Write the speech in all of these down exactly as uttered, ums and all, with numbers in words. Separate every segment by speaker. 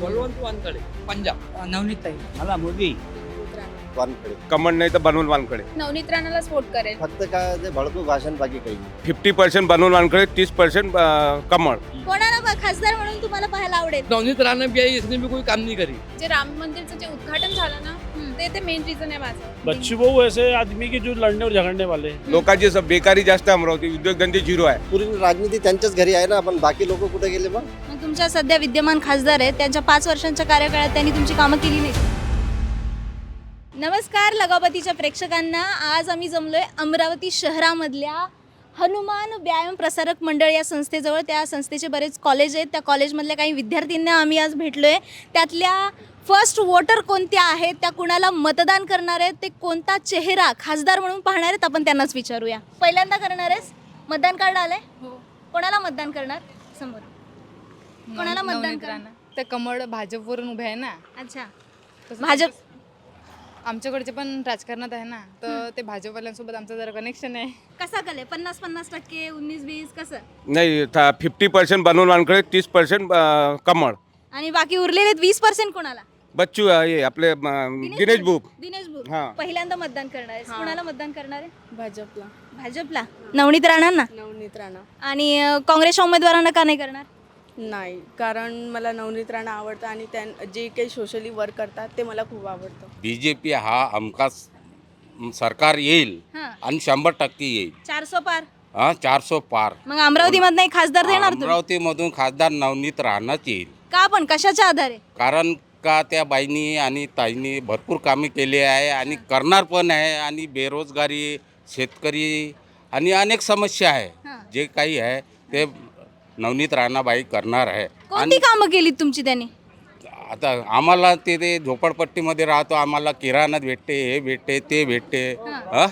Speaker 1: बलवंत वानकडे पंजाब.
Speaker 2: नवनीत ताई.
Speaker 3: मला मोदी
Speaker 4: वानकडे.
Speaker 5: कमळ नाही तर बनवून वानकडे.
Speaker 6: नवनीत राणाला सपोर्ट करेल.
Speaker 4: फक्त काय ते भडकू भाषण बाकी काही नाही.
Speaker 5: फिफ्टी पर्सेंट बनवून वानकडे, तीस पर्सेंट कमळ.
Speaker 6: कोणाला ब- खासदार म्हणून तुम्हाला पाहायला आवडेल?
Speaker 1: नवनीत राणा भी आई इसने भी कोई काम नहीं करी.
Speaker 6: जे राम मंदिरचं जे उद्घाटन झालं ना ते ते मेन रिझन आहे माझं.
Speaker 7: बच्चू भाऊ ऐसे आदमी की जो लड़ने और झगड़ने वाले हैं।
Speaker 5: लोकांची सब बेकारी जास्त आहे अमरावती, उद्योगधंदे झिरो आहे.
Speaker 4: पुरी राजनीती त्यांच्याच घरी आहे ना, पण बाकी लोक कुठे गेले मग?
Speaker 6: मग तुमच्या सध्या विद्यमान खासदार आहेत, त्यांच्या पाच वर्षांच्या कार्यकाळात त्यांनी तुमची कामं केली नाही. नमस्कार लगावतीच्या प्रेक्षकांना. आज आम्ही जमलोय अमरावती शहरामधल्या हनुमान व्यायाम प्रसारक मंडळ या संस्थेजवळ. त्या संस्थेचे बरेच कॉलेज आहेत, त्या कॉलेजमधल्या काही विद्यार्थ्यांना आम्ही आज भेटलोय. त्यातल्या फर्स्ट वोटर कोणत्या आहेत, त्या कुणाला मतदान करणार आहेत, ते कोणता चेहरा खासदार म्हणून पाहणार आहेत, आपण त्यांनाच विचारूया. पहिल्यांदा करणार आहेस? मतदान कार्ड आलंय? हो. कोणाला मतदान करणार? समोर कोणाला मतदान करणार?
Speaker 8: तर कमळ भाजपवरून उभे आहे ना.
Speaker 6: अच्छा,
Speaker 8: तसं
Speaker 6: भाजप.
Speaker 8: आमच्याकडचे पण राजकारणात आहे ना, तर ते भाजपवाल्यांसोबत आमचं जरा कनेक्शन आहे.
Speaker 6: कसा कले? पन्नास पन्नास टक्के, उन्नीस वीस, कसं?
Speaker 5: नाही, फिफ्टी पर्सेंट बनवून वानकडे, तीस पर्सेंट कमळ.
Speaker 6: आणि बाकी उरलेले वीस पर्सेंट कोणाला?
Speaker 5: बच्चू हे आपले अं, दिनेश बुक.
Speaker 6: दिनेश बुक.
Speaker 5: हां.
Speaker 6: पहिल्यांदा मतदान करणार आहे. कोणाला मतदान करणार आहे?
Speaker 8: भाजपला.
Speaker 6: भाजपला. नवनीत राणांना.
Speaker 8: नवनीत राणा
Speaker 6: आणि अं, काँग्रेसच्या उमेदवारांना का नाही करणार?
Speaker 8: नाही, कारण मला नवनीत राणा आवडतं आणि त्यां जे काही सोशली वर्क करतात ते मला खूप आवडतं.
Speaker 9: बीजेपी हा हमखास सरकार येईल
Speaker 6: हां.
Speaker 9: आणि शंभर टक्के येईल.
Speaker 6: चारसो पार.
Speaker 9: हा चारसो पार.
Speaker 6: मग अमरावतीमधनं एक खासदार देणार तुम्ही?
Speaker 9: अमरावतीमधून खासदार नवनीत राहणंच येईल.
Speaker 6: का पण कशाच्या आधारे?
Speaker 9: कारण का त्या बाईंनी आणि ताईंनी भरपूर कामे केली आहे आणि करणार पण आहे. आणि बेरोजगारी, शेतकरी आणि अनेक समस्या आहे,
Speaker 6: हां.
Speaker 9: जे काही आहे ते नवनीत राणाबाई करणार आहे.
Speaker 6: कोणती कामं केली तुमची त्यांनी?
Speaker 9: आता आम्हाला ते ते झोपडपट्टीमध्ये राहतो, आम्हाला किराणा भेटते, हे भेटते, ते भेटते. हं?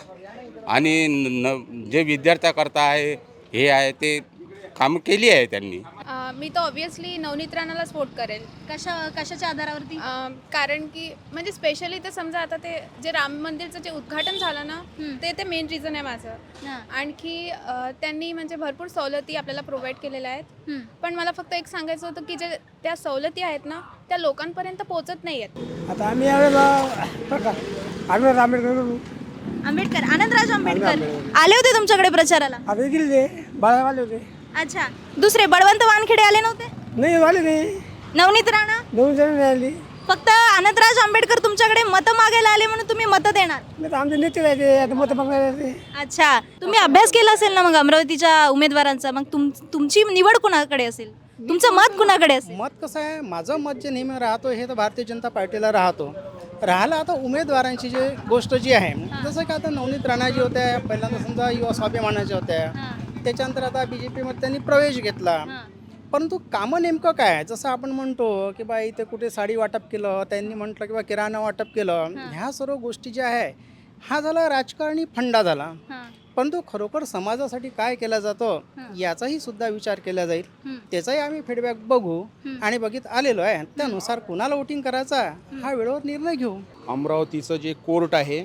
Speaker 9: आणि न जे विद्यार्थ्याकरता आहे हे आहे ते कामं केली आहे त्यांनी.
Speaker 10: मी तर ऑब्विसली नवनीत राणाला सपोर्ट करेल.
Speaker 6: कशा कशाच्या आधारावरती?
Speaker 10: अं, कारण की म्हणजे स्पेशली तर समजा आता ते जे राम मंदिरचं जे उद्घाटन झालं ना ते ते मेन रिझन आहे माझं.
Speaker 6: हां.
Speaker 10: आणखी अं, त्यांनी म्हणजे भरपूर सवलती आपल्याला प्रोव्हाइड केलेल्या आहेत.
Speaker 6: हं.
Speaker 10: पण मला फक्त एक सांगायचं होतं की जे त्या सवलती आहेत ना त्या लोकांपर्यंत पोहोचत नाही आहेत.
Speaker 2: आता आम्ही यावेळेला बघा आम्ही आंबेडकर करू.
Speaker 6: आंबेडकर, आनंदराज आंबेडकर आले होते तुमच्याकडे प्रचाराला?
Speaker 2: आता गेले बाळावाले होते.
Speaker 6: अच्छा. दुसरे बळवंत वानखेडे आले नव्हते?
Speaker 2: नाही वाले नाही,
Speaker 6: नवनीत राणा?
Speaker 2: दोन जण नाही आली.
Speaker 6: फक्त आनंदराज आंबेडकर तुमच्याकडे मतं मागायला आले म्हणून तुम्ही मतं देणार?
Speaker 2: नाही तर आमचे नेते राहते, आता मत मागणार.
Speaker 6: अच्छा. तुम्ही अभ्यास केला असेल ना मग अमरावतीच्या उमेदवारांचा. मग तुम तुमची निवड कुणाकडे असेल? तुमचं मत कुणाकडे असेल?
Speaker 11: मत कसं आहे, माझं मत जे नेहमी राहतो हे तर भारतीय जनता पार्टीला राहतो. राहिला आता उमेदवारांची जे गोष्ट जी आहे, जसं की आता नवनीत राणा जी होत्या पहिल्यांदा समजा युवा स्वाभिमानाच्या होत्या, त्याच्यानंतर आता बी जे पीमध्ये त्यांनी प्रवेश घेतला. परंतु कामं नेमकं काय आहे, जसं आपण म्हणतो की बा इथे कुठे साडी वाटप केलं, त्यांनी म्हटलं की बा किराणा वाटप केलं, ह्या सर्व गोष्टी ज्या आहे हा झाला राजकारणी फंडा झाला. परंतु खरोखर समाजासाठी काय केलं जातं याचाही सुद्धा विचार केला जाईल. त्याचाही आम्ही फीडबॅक बघू आणि बघित आलेलो आहे, त्यानुसार कुणाला वोटिंग करायचा हा वेळेवर निर्णय घेऊ.
Speaker 12: अमरावतीचं जे कोर्ट आहे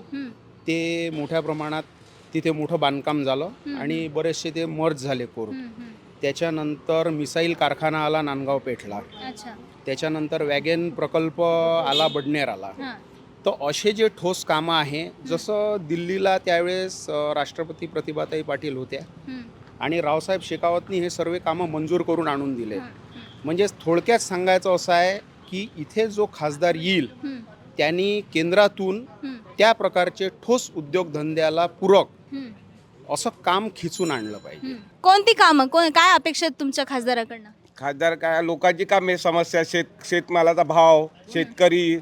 Speaker 12: ते मोठ्या प्रमाणात तिथे मोठं बांधकाम झालं आणि बरेचसे ते मर्ज झाले कोर्ट. त्याच्यानंतर मिसाईल कारखाना आला नांदगाव पेठला. त्याच्यानंतर वॅगन प्रकल्प आला बडनेर आला. तर असे जे ठोस कामं आहे, जसं दिल्लीला त्यावेळेस राष्ट्रपती प्रतिभाताई पाटील होत्या आणि रावसाहेब शेखावतनी हे सर्व कामं मंजूर करून आणून दिले. म्हणजे थोडक्यात सांगायचं असं आहे की इथे जो खासदार येईल त्यांनी केंद्रातून त्या प्रकारचे ठोस उद्योगधंद्याला पूरक असं काम खिचून आणलं पाहिजे.
Speaker 6: कोणती कामं, कोण काय अपेक्षा आहेत तुमच्या खासदाराकडनं?
Speaker 5: खासदार काय, लोकांची कामे, समस्या, शेत शेतमालाचा भाव, शेतकरी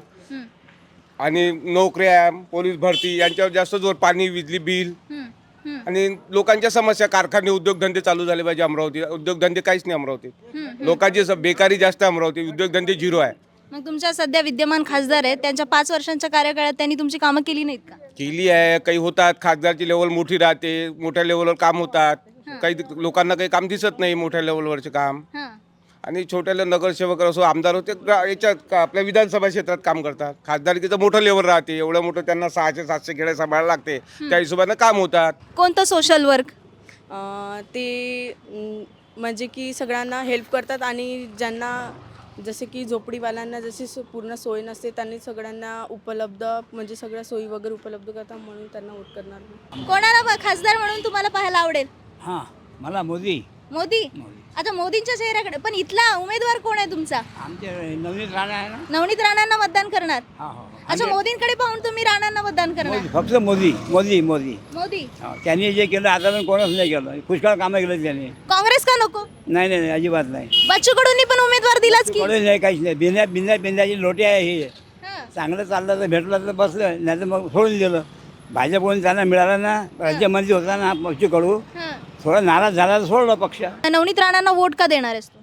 Speaker 5: आणि नोकऱ्या, पोलीस भरती यांच्यावर जास्त जोर. पाणी, विजली बिल आणि लोकांच्या समस्या, कारखाने, उद्योगधंदे चालू झाले पाहिजे अमरावती. उद्योगधंदे काहीच नाही अमरावतीत. लोकांची सब बेकारी जास्त आहे अमरावती, उद्योगधंदे झिरो आहे.
Speaker 6: मग तुमच्या सध्या विद्यमान खासदार आहेत, त्यांच्या पाच वर्षांच्या कार्यकाळात त्यांनी तुमची कामं केली नाहीत का?
Speaker 5: केली आहे, काही होतात. खासदारची लेवल मोठी राहते, मोठ्या लेवलवर काम होतात. काही लोकांना काही काम दिसत नाही मोठ्या लेवलवरचे काम. आणि छोट्याला नगरसेवक असो, आमदार होते याच्यात आपल्या विधानसभा क्षेत्रात काम करतात. खासदारकीचं मोठं लेवल राहते, एवढं मोठं त्यांना सहाशे सातशे खेडे सांभाळायला लागते, त्या हिशोबानं काम होतात.
Speaker 6: कोणतं सोशल वर्क?
Speaker 8: ते म्हणजे की सगळ्यांना हेल्प करतात आणि ज्यांना जसे की झोपडीवाल्यांना जशी सो- पूर्ण सोय नसते त्यांनी सगळ्यांना उपलब्ध म्हणजे सगळ्या सोयी वगैरे उपलब्ध करतात म्हणून त्यांना वोट करणार मी.
Speaker 6: कोणाला ब- खासदार म्हणून तुम्हाला पाहायला आवडेल?
Speaker 2: हां मला मोदी
Speaker 6: मोदी. आता मोदींच्या चेहऱ्याकडे पण इथला उमेदवार कोण आहे तुमचा?
Speaker 2: आमचे नवनीत राणा आहे ना.
Speaker 6: नवनीत राणांना मतदान करणार?
Speaker 2: हां हो
Speaker 6: अच्छा, मोदींकडे पाहून तुम्ही राणांना मतदान करणार?
Speaker 2: फक्त मोदी मोदी मोदी
Speaker 6: मोदी.
Speaker 2: हो, त्यांनी जे केलं आता पण कोणच नाही केलं. पुष्कळ कामं केलं त्यांनी.
Speaker 6: काँग्रेस का नको?
Speaker 2: नाही नाही नाही, अजिबात नाही.
Speaker 6: बच्चू कडूंनी पण उमेदवार दिलाच की.
Speaker 2: कोणच नाही, काहीच नाही. बिंद्या बिंद्या बिंद्याची लोटी आहे ही.
Speaker 6: हां.
Speaker 2: चांगलं चाललं तर भेटलं तर बसलं, नाही तर मग सोडून दिलं. भाजपकडून त्यांना मिळालं ना, राज्यमंत्री होता ना पक्ष कडू,
Speaker 6: हां.
Speaker 2: थोडा नाराज झाला तर सोडलं पक्ष.
Speaker 6: नवनीत राणांना वोट का देणार आहेस तू?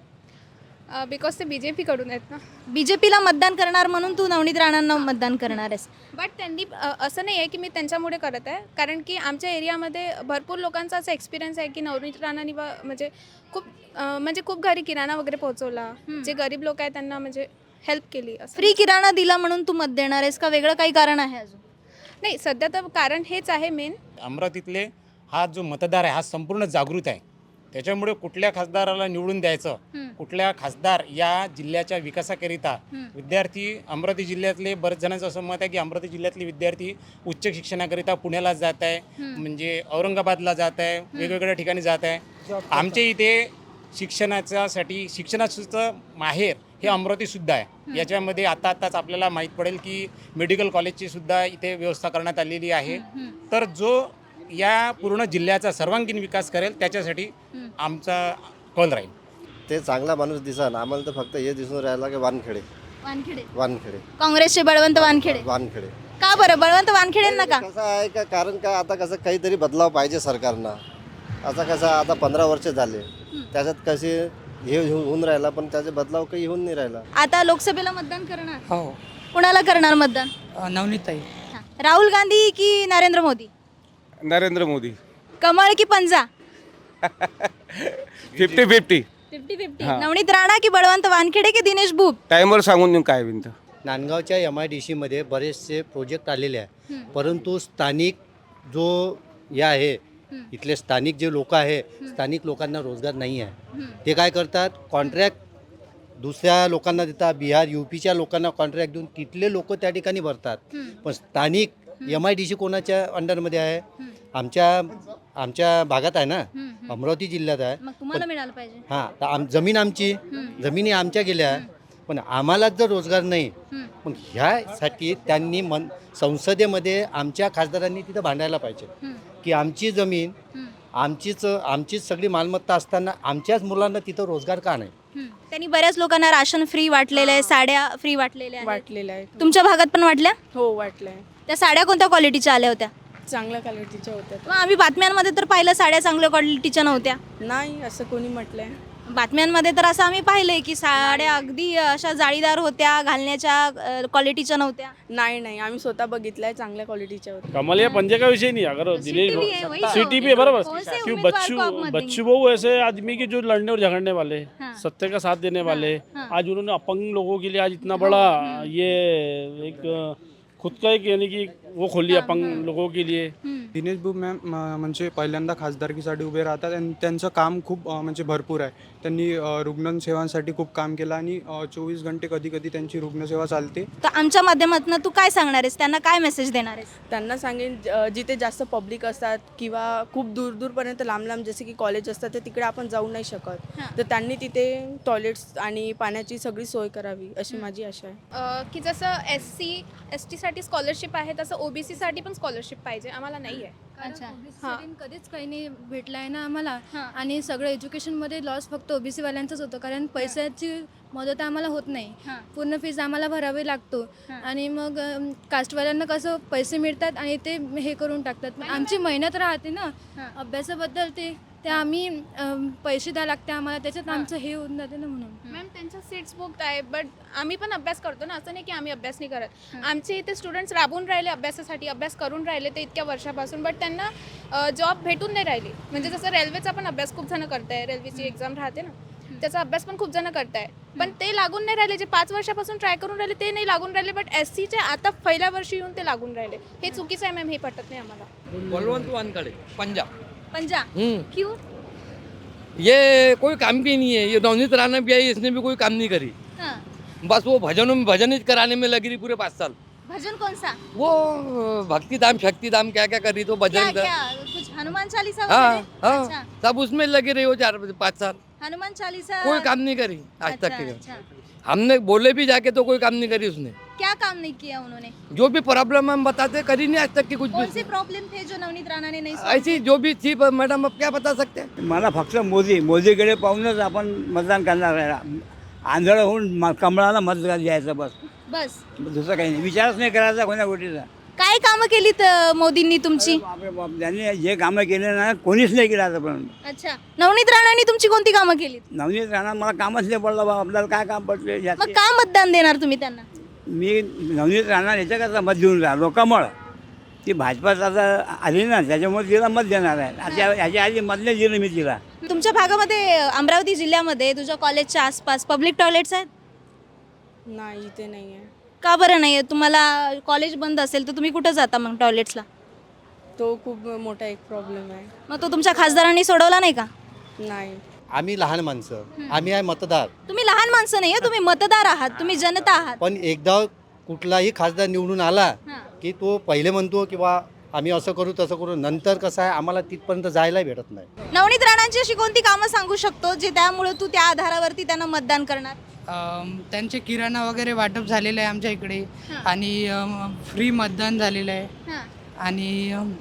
Speaker 10: बिकॉज ते बी जे पीकडून आहेत ना.
Speaker 6: बीजेपीला मतदान करणार म्हणून तू नवनीत राणांना मतदान करणार आहेस?
Speaker 10: बट त्यांनी अ, असं नाही आहे की मी त्यांच्यामुळे करत आहे, कारण की आमच्या एरियामध्ये भरपूर लोकांचा असा एक्सपिरियन्स आहे की नवनीत राणांनी बा- म्हणजे खूप अ, म्हणजे खूप घरी किराणा वगैरे पोहोचवला. जे गरीब लोक आहेत त्यांना म्हणजे हेल्प केली असं.
Speaker 6: फ्री किराणा दिला म्हणून तू मत देणार आहेस का वेगळं काही कारण आहे अजून?
Speaker 10: नाही, सध्या तर कारण हेच आहे मेन.
Speaker 3: अमरावतीतले हा जो मतदार आहे हा संपूर्ण जागृत आहे. त्याच्यामुळे कुठल्या खासदाराला निवडून द्यायचं, कुठल्या खासदार या जिल्ह्याच्या विकासाकरिता विद्यार्थी, अमरावती जिल्ह्यातले बरेच जणांचं असं मत आहे की अमरावती जिल्ह्यातले विद्यार्थी उच्च शिक्षणाकरिता पुण्याला जात आहे, म्हणजे औरंगाबादला जात आहे, वेगवेगळ्या ठिकाणी जात आहे. आमच्या इथे शिक्षणाच्यासाठी शिक्षणाचं माहेर हे अमरावतीसुद्धा आहे. याच्यामध्ये आता आताच आपल्याला माहीत पडेल की मेडिकल कॉलेजची सुद्धा इथे व्यवस्था करण्यात आलेली आहे. तर जो या पूर्ण जिल्ह्याचा सर्वांगीण विकास करेल त्याच्यासाठी आमचा कौल राहील.
Speaker 4: ते चांगला माणूस दिसन आम्हाला तर फक्त हे दिसून राहिला की वानखेडे
Speaker 6: वानखेडे.
Speaker 4: वानखेडे
Speaker 6: काँग्रेसचे बळवंत वानखेडे.
Speaker 4: वानखेडे
Speaker 6: का बरं बळवंत वानखेडेंना का?
Speaker 4: कसं आहे का, कारण का आता कसं काहीतरी बदलाव पाहिजे सरकारनं. असं कसं आता पंधरा वर्ष झाले, त्याच्यात कसे हे होऊन राहिला पण त्याचे बदलाव काही होऊन नाही राहिला.
Speaker 6: आता लोकसभेला मतदान करणार?
Speaker 2: हो
Speaker 6: कुणाला करणार मतदान?
Speaker 2: नवनीताई.
Speaker 6: राहुल गांधी की नरेंद्र मोदी?
Speaker 5: नरेंद्र मोदी.
Speaker 6: कमळ की पंजा?
Speaker 5: Fifty fifty.
Speaker 6: Fifty fifty. Navneet Rana की बळवंत वानखेडे की दिनेश भूप?
Speaker 5: टाईमवर सांगून देऊन काय विनंती.
Speaker 13: नांदगावच्या एम आय डी सीमध्ये बरेचसे प्रोजेक्ट आलेले आहे, परंतु स्थानिक जो या आहे इथले स्थानिक जे लोक आहे, स्थानिक लोकांना रोजगार नाही आहे. ते काय करतात, कॉन्ट्रॅक्ट दुसऱ्या लोकांना देतात, बिहार यूपीच्या लोकांना कॉन्ट्रॅक्ट देऊन तिथले लोक त्या ठिकाणी भरतात. पण स्थानिक एम आय डी सी कोणाच्या अंडरमध्ये आहे? आमच्या आमच्या भागात आहे ना, अमरावती जिल्ह्यात आहे.
Speaker 6: मग तुम्हाला मिळालं पाहिजे.
Speaker 13: हां, तर आम जमीन आमची जमिनी आमच्या गेल्या, पण आम्हालाच जर रोजगार नाही, पण ह्यासाठी त्यांनी मन संसदेमध्ये आमच्या खासदारांनी तिथं भांडायला पाहिजे की आमची जमीन आमचीच आमचीच सगळी मालमत्ता असताना आमच्याच मुलांना तिथं रोजगार का नाही.
Speaker 6: त्यांनी बऱ्याच लोकांना राशन फ्री वाटलेलं आहे, साड्या फ्री वाटलेल्या आहेत.
Speaker 8: वाटलेलं आहे.
Speaker 6: तुमच्या भागात पण वाटल्या?
Speaker 8: हो वाटलं आहे.
Speaker 6: त्या साड्या कोणत्या क्वालिटीच्या आल्या होत्या?
Speaker 8: चांगल्या क्वालिटीच्या होत्या.
Speaker 6: मग आम्ही बातम्यांमध्ये तर पाहिलं साड्या चांगल्या क्वालिटीच्या नव्हत्या.
Speaker 8: नाही असं कोणी म्हटलंय.
Speaker 6: बातम्यांमध्ये तर असं आम्ही पाहिलंय की साड्या अगदी अशा जाळीदार होत्या, घालण्याच्या क्वालिटीच्या नव्हत्या.
Speaker 8: नाही नाही आम्ही स्वतः बघितलंय, चांगल्या क्वालिटीच्या होत्या.
Speaker 7: कमल या पंजे का विषय नहीं, अगर दिनेश
Speaker 6: भी है, वही तो।
Speaker 7: सिटी भी है बराबर,
Speaker 6: कौन से
Speaker 7: क्यों
Speaker 6: उम्मीदवार
Speaker 7: बच्चू
Speaker 6: को आप मत देंगे?
Speaker 7: बच्चू बहू ऐसे आदमी के जो लड़ने और झगड़ने वाले,
Speaker 6: हाँ।
Speaker 7: सत्य का साथ देने वाले,
Speaker 6: हाँ।
Speaker 7: आज उन्होंने अपंग लोगों के लिए आज इतना बड़ा ये एक खुद का एक यानी की वो खोली अपंग लोगों के लिए.
Speaker 14: दिनेश भाऊ मॅम म- म्हणजे पहिल्यांदा खासदारकीसाठी उभे राहतात आणि त्यांचं काम खूप अ, म्हणजे भरपूर आहे. त्यांनी अ, रुग्णसेवांसाठी खूप काम केलं आणि चोवीस घंटे कधी कधी त्यांची रुग्णसेवा चालते.
Speaker 6: तर आमच्या माध्यमातून तू काय सांगणार आहेस, त्यांना काय मेसेज देणार आहेस?
Speaker 8: त्यांना सांगेन ज- जिथे जास्त पब्लिक असतात किंवा खूप दूर दूरपर्यंत लांब लांब जसे की कॉलेज असतात तर तिकडे आपण जाऊ नाही शकत, तर त्यांनी तिथे टॉयलेट्स आणि पाण्याची सगळी सोय करावी अशी माझी आशा आहे.
Speaker 10: अ, की जसं एस सी एस टीसाठी स्कॉलरशिप आहे तसं ओबीसीसाठी पण स्कॉलरशिप पाहिजे, आम्हाला नाही आहे.
Speaker 6: अच्छा.
Speaker 15: कधीच काही नाही भेटला आहे ना आम्हाला, आणि सगळं एज्युकेशनमध्ये लॉस फक्त ओबीसी वाल्यांचंच होतं, कारण पैशाची मदत आम्हाला होत नाही. पूर्ण फीज आम्हाला भरावी लागतो, आणि मग अम, कास्टवाल्यांना कसं पैसे मिळतात आणि ते हे करून टाकतात. पण आमची मेहनत राहते ना अभ्यासाबद्दल, ते ते आम्ही अम, पैसे द्यावे लागते आम्हाला, त्याच्यात आमचं हे होऊन जाते ना. म्हणून
Speaker 10: मॅम त्यांच्या सीट्स बुक्ड आहे, बट आम्ही पण अभ्यास करतो ना, असं नाही की आम्ही अभ्यास नाही करत. आमचे इथे स्टुडंट्स राबून राहिले अभ्यासासाठी, अभ्यास करून राहिले ते इतक्या वर्षापासून, बट त्यांना जॉब भेटून नाही राहिली. म्हणजे जसं रेल्वेचा पण अभ्यास खूप जण करताय, रेल्वेची एक्झाम राहते ना, त्याचा अभ्यास पण खूप जण करताय, पण ते लागून नाही राहिले. जे पाच वर्षापासून ट्राय करून राहिले ते नाही लागून राहिले, बट एस सीचे आता पहिल्या वर्षी येऊन ते लागून राहिले. हे चुकीचं आहे मॅम, हे पटत नाही आम्हाला.
Speaker 1: बलवंत वानखड़े पंजाब.
Speaker 6: पंजाब
Speaker 1: हम्म
Speaker 6: क्यों?
Speaker 1: ये कोई काम की नहीं है, ये नवनीत राणा भी आई, इसने भी कोई काम नहीं करी.
Speaker 6: हाँ,
Speaker 1: बस वो भजनों भजन ही कराने में लगी रही पूरे पाँच साल।
Speaker 6: भजन कौन सा?
Speaker 1: वो भक्ति धाम शक्ति धाम क्या क्या कर रही तो
Speaker 6: क्या
Speaker 1: भजन कर-
Speaker 6: क्या कुछ हनुमान चालीसा
Speaker 1: हाँ
Speaker 6: वगैरह?
Speaker 1: हाँ
Speaker 6: अच्छा,
Speaker 1: सब उसमें लगे रही हो चार पाँच साल,
Speaker 6: हनुमान चालीसा
Speaker 1: कोई काम नहीं करी आज
Speaker 6: अच्छा,
Speaker 1: तक के।
Speaker 6: अच्छा।
Speaker 1: हमने बोले भी जाके तो कोई काम नहीं करी उसने।
Speaker 6: क्या काम नहीं किया उन्होंने?
Speaker 1: जो भी प्रॉब्लम हम बताते करी नहीं आज तक की कुछ
Speaker 6: कौन
Speaker 1: भी।
Speaker 6: से प्रॉब्लेम थे जो नवनीत राणा ने नहीं solve
Speaker 1: ऐसी जो भी थी पर मैडम अब क्या बता सकते हैं।
Speaker 2: मला फक्त मोदी मोदीकडे पाहूनच आपण मतदान करणार आहे. आंधळ होऊन म- कमळाला मत द्यायचं बस,
Speaker 6: बस
Speaker 2: दुसरं काही नाही. विचारच नाही करायचा कोण्या गोष्टीचा.
Speaker 6: काय कामं केलीत अ, मोदींनी तुमची?
Speaker 2: बापरे बाप, त्यांनी जे कामं केले ना कोणीच नाही केलं आतापर्यंत.
Speaker 6: अच्छा, नवनीत राणांनी तुमची कोणती कामं केलीत?
Speaker 2: नवनीत राणा मला कामच नाही पडलं बा, आपल्याला काय काम पडले
Speaker 6: मग
Speaker 2: जास्त.
Speaker 6: का मतदान देणार तुम्ही त्यांना?
Speaker 2: मी नवनीत राणा याच्याकरता मत देऊन राहिलो कमळ. ती भाजपात आता आली ना त्याच्यामुळे तिला मत देणार आहे. आता ह्याच्या आधी मत नाही दिलं मी तिला.
Speaker 6: तुमच्या भागामध्ये अ, अमरावती जिल्ह्यामध्ये तुझ्या कॉलेजच्या आसपास पब्लिक टॉयलेट्स आहेत?
Speaker 8: नाही इथे नाही आहे.
Speaker 6: का बरं नाही आहे? तुम्हाला कॉलेज बंद असेल तर तुम्ही कुठं जाता मग टॉयलेट्सला?
Speaker 8: तो खूप मोठा एक प्रॉब्लेम आहे.
Speaker 6: मग तो तुमच्या खासदारांनी सोडवला नाही का?
Speaker 8: नाही.
Speaker 13: आम्ही लहान माणसं, आम्ही आहे मतदार.
Speaker 6: तुम्ही लहान माणसं नाही आहे, तुम्ही मतदार आहात, तुम्ही जनता आहात.
Speaker 13: पण एकदा कुठलाही खासदार निवडून आला
Speaker 6: हां.
Speaker 13: की तो पहिले म्हणतो किंवा आम्ही असं करू तसं करू, नंतर कसं आहे आम्हाला तिथपर्यंत जायला भेटत नाही.
Speaker 6: नवनीत राणांची अशी कोणती कामं सांगू शकतो जे त्यामुळे तू त्या आधारावरती त्यांना मतदान करणार?
Speaker 16: अम, त्यांचे किराणा वगैरे वाटप झालेलं आहे आमच्या इकडे
Speaker 6: हां.
Speaker 16: आणि फ्री मतदान झालेलं आहे
Speaker 6: हां.
Speaker 16: आणि अम,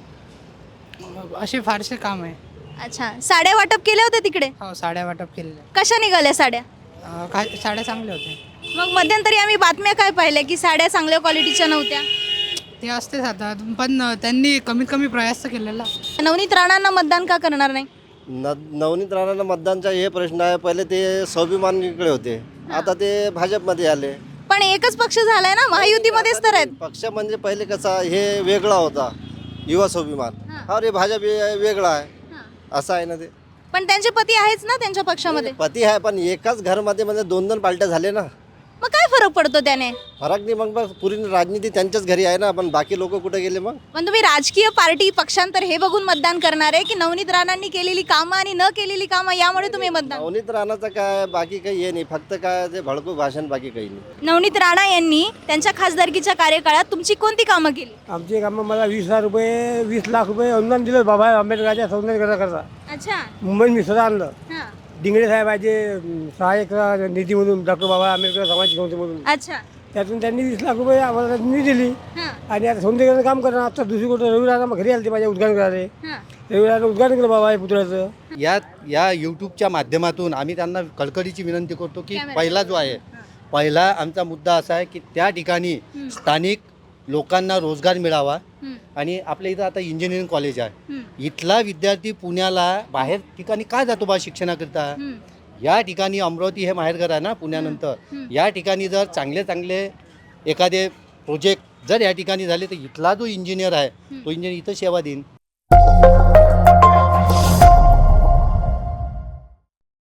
Speaker 16: असे फारसे काम आहे.
Speaker 6: अच्छा, साड्या वाटप केल्या होत्या तिकडे?
Speaker 16: हो साड्या वाटप केलेलं आहे.
Speaker 6: कशा निघाल्या साड्या?
Speaker 16: अ, काय साड्या चांगल्या होत्या.
Speaker 6: मग मध्यंतरी आम्ही बातम्या काय पाहिल्या की साड्या चांगल्या क्वालिटीच्या नव्हत्या.
Speaker 16: ते असतेच आता पण त्यांनी कमीत कमी प्रयास तर केलेला.
Speaker 6: नवनीत राणांना मतदान का करणार नाही?
Speaker 4: न नवनीत राणांना मतदानचा हे प्रश्न आहे. पहिले ते स्वाभिमानीकडे होते, आता ते भाजपमध्ये आले.
Speaker 6: पण एकच पक्ष झालाय ना, महायुतीमध्येच तर आहेत.
Speaker 4: पक्ष म्हणजे पहिले कसा हे वेगळा होता युवा स्वाभिमान,
Speaker 6: हां.
Speaker 4: अरे भाजप हे वेगळा आहे
Speaker 6: हां.
Speaker 4: असं आहे ना. ते
Speaker 6: पण त्यांचे पती आहेच ना त्यांच्या पक्षामध्ये.
Speaker 4: पती आहे पण एकाच घरामध्ये म्हणजे दोन दोन पार्ट्या झाले ना.
Speaker 6: मग काय फरक पडतो त्याने?
Speaker 4: फरक नाही मग बस पूर्ण राजनीती त्यांच्याच घरी आहे ना, पण बाकी लोक कुठे गेले मग.
Speaker 6: पण तुम्ही राजकीय पार्टी पक्षांतर हे बघून मतदान करणार आहे की नवनीत राणांनी केलेली कामं आणि न केलेली कामं यामुळे तुम्ही मतदान?
Speaker 4: नवनीत राणाचं काय बाकी काही हे नाही, फक्त काय ते भडकू भाषण, बाकी काही नाही.
Speaker 6: नवनीत राणा यांनी त्यांच्या खासदारकीच्या कार्यकाळात तुमची कोणती कामं केली?
Speaker 2: आमचे कामं मला वीस हजार रुपये वीस लाख रुपये अनुदान दिलं बाबा आंबेडकरच्या सौंदर्यकरता.
Speaker 6: अच्छा.
Speaker 2: मुंबईत मी स्वतः आणलं.
Speaker 6: हां.
Speaker 2: डिंगळे साहेबाचे सहाय्यक निधीमधून डॉक्टर बाबा आंबेडकर सामाजिक संस्थेमधून
Speaker 6: अच्छा.
Speaker 2: त्यातून त्यांनी वीस लाख रुपये आम्हाला निधी दिली.
Speaker 6: हां.
Speaker 2: आणि आता सौंदर्याचं काम करणार. आता दुसरी गोष्ट रविवार मग घरी आले ते माझ्या उद्घाटन करायला.
Speaker 6: हां.
Speaker 2: रविवार उद्घाटन केलं बाबा हे पुतळ्याचं.
Speaker 13: या या यूट्यूबच्या माध्यमातून आम्ही त्यांना कळकळीची विनंती करतो की
Speaker 6: कॅमेरा.
Speaker 13: पहिला जो आहे पहिला आमचा मुद्दा असा आहे की त्या ठिकाणी स्थानिक लोकांना रोजगार मिळावा.
Speaker 6: हं.
Speaker 13: आणि आपल्या इथं आता इंजिनिअरिंग कॉलेज आहे,
Speaker 6: हं.
Speaker 13: इथला विद्यार्थी पुण्याला बाहेर ठिकाणी काय जातो बा शिक्षणाकरिता.
Speaker 6: हं.
Speaker 13: या ठिकाणी अमरावती हे माहेरघर आहे ना पुण्यानंतर.
Speaker 6: हं.
Speaker 13: या ठिकाणी जर चांगले चांगले एखादे प्रोजेक्ट जर या ठिकाणी झाले तर इथला जो इंजिनियर आहे तो इंजिनियर इथं सेवा देईन.